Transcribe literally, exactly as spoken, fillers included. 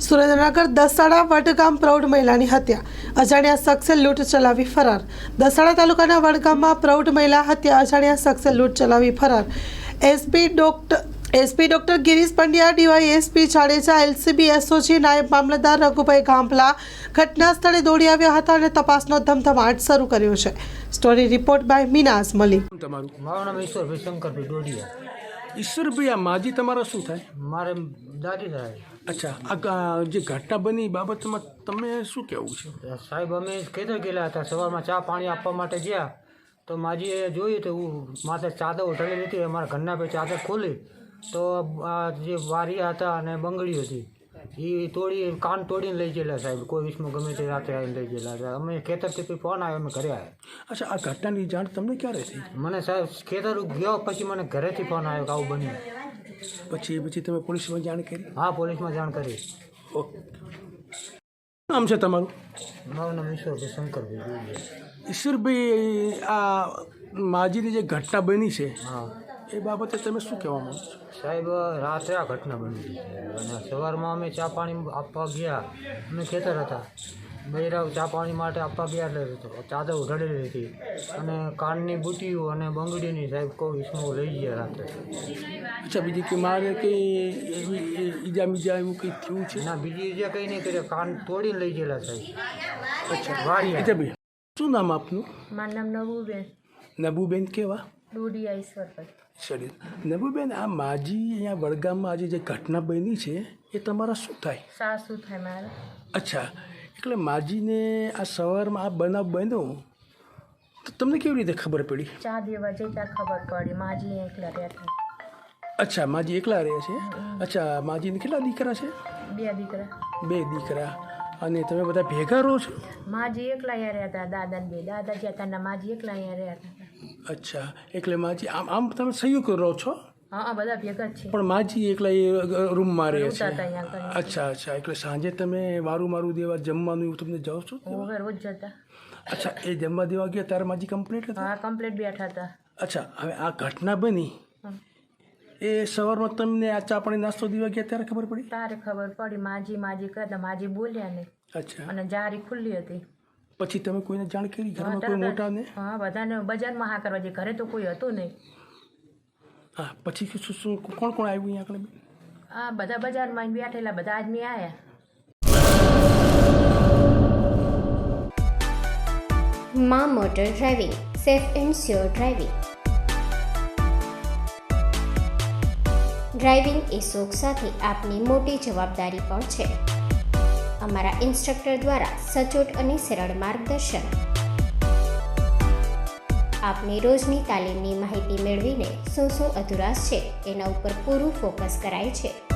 સુરેન્દ્રનગર દસાડા વડગામ પ્રૌઢ મહિલાની હત્યા, અજાણ્યા શખ્સે લૂંટ ચલાવી ફરાર। દસાડા તાલુકાના વડગામમાં પ્રૌઢ મહિલા હત્યા, અજાણ્યા શખ્સે લૂંટ ચલાવી ફરાર। SP doctor SP doctor Girish Pandya, DySP Jadeja, LCB SOG, નાયબ મામલતદાર રઘુભાઈ ગાંભલા ઘટના સ્થળે દોડી આવ્યા હતા અને તપાસનો ધમધમાટ શરૂ કર્યો છે। Story report by Minaz Malik. તમારું મારું નામ ઈશ્વરભાઈ શંકરભાઈ ડોડિયા। ઈશ્વરભાઈ, આ માજી તમારા શું થાય? મારે દાદી થાય। અચ્છા, આ ગા- જે ઘટના બની એ બાબતમાં તમે શું કહેવું છે? સાહેબ, અમે ખેતર ગયેલા હતા, સવારમાં ચા પાણી આપવા માટે ગયા તો માજીએ જોયું તો હું માથે ચાદર ઉઠાડી હતી। અમારા ઘરના પછી ચાદર ખોલી તો આ જે વારિયા હતા અને બંગડી હતી એ તોડી કાન તોડીને લઈ ગયેલા સાહેબ। કોઈ વિષમાં ગમે તે રાત્રે આવીને લઈ ગયેલા હતા। અમે ખેતરથી પછી ફોન આવ્યો, અમે ઘરે આવ્યા। અચ્છા, આ ઘટનાની જાણ તમને ક્યારે થઈ? મને સાહેબ ખેતર ગયો પછી મને ઘરેથી ફોન આવ્યો કે આવું બન્યું। પછી પછી તમે પોલીસમાં જાણ કરી? હા, પોલીસમાં જાણ કરી। ઓકે, નામ છે તમારું? મારું નામ ઈશ્વરભાઈ શંકરભાઈ ડોડિયા। ઈશ્વરભાઈ, આ માજીની જે ઘટના બની છે હા એ બાબતે તમે શું કહેવા માંગો છો? સાહેબ, રાત્રે આ ઘટના બની હતી અને સવારમાં અમે ચા પાણી આપવા ગયા। અમે ખેતર હતા, બૈરાવ ચા પાણી માટે આપવા ગયા એટલે ચાદર ઉઢાડેલી હતી અને કાનની બુટીઓ અને બંગડીની સાહેબ કોઈ વિસ્મો લઈ ગયા રાત્રે। અચ્છા, બીજી કે મારે કંઈ એવી ઈજા બીજા એવું કંઈ થયું છે? ના, બીજી જે કંઈ નહીં કર્યા, કાન તોડીને લઈ ગયેલા સાહેબ। અચ્છા, વાડિયા। અચ્છા ભાઈ, શું નામ આપનું? મારું નામ નવુબેન નબુબેન કેવા? ડોડિયા ઈશ્વરભાઈ। સરી, નબુબેન, આ માજી અહીંયા વડગામમાં આજે જે ઘટના બની છે એ તમારા શું થાય? સાસુ થાય મારે। અચ્છા, એટલે માજીને આ સવારમાં આ બનાવ બન્યો તો તમને કેવી રીતે ખબર પડી? ચા દેવા જઈ ત્યાં ખબર પડી માજી એકલા રહેતા। અચ્છા, માજી એકલા રહે છે? અચ્છા, માજીને કેટલા દીકરા છે? બે દીકરા। બે દીકરા। અને તમે બધા ભેગા રહો છો? માજી એકલા અહીંયા રહેતા, દાદા ને બે દાદા જ્યાં હતા માજી એકલા અહીંયા રહેતા। અચ્છા, એટલે માજી આમ આમ તમે સંયુક્ત રહો છો? હા, બધા ભેગા જ છે। પણ માજી એકલા એ રૂમમાં રહે રહેતા છે? હતા અહીંયા આગળ। અચ્છા અચ્છા, એટલે સાંજે તમે વારું મારું દેવા જમવાનું એવું તમને જાઓ છો? હું રોજ જતા। અચ્છા, એ જમવા દેવા ગયા ત્યારે માજી કમ્પ્લીટ હતા? હા, કમ્પ્લીટ બેઠા હતા। અચ્છા, હવે આ ઘટના બની એ સવારમાં તમને આ ચા પાણી નાસ્તો દેવા ગયા ત્યારે ખબર પડી? તારે ખબર પડી માજી માજી કરતા, માજી બોલ્યા નહીં અચ્છા, અને જારી ખુલ્લી હતી। પછી તમે કોઈને જાણ કરી ઘરમાં કોઈ મોટાને? હા, બધાને બજારમાં હા કરવા જઈએ, ઘરે તો કોઈ હતું નહીં। હા, પછી શું શું કોણ કોણ આવ્યું અહીંયા આગળ? હા, બધા બજારમાં આવીને બેઠેલા, બધા આદમી આવ્યા। માં motor driving, safe and sure driving. Driving એ શોખ સાથે આપની મોટી જવાબદારી પણ છે। અમારા ઇન્સ્ટ્રક્ટર દ્વારા સચોટ અને સરળ માર્ગદર્શન। આપની રોજની તાલીમની માહિતી મેળવીને શું શું અધુરાશ છે એના ઉપર પૂરું ફોકસ કરાય છે।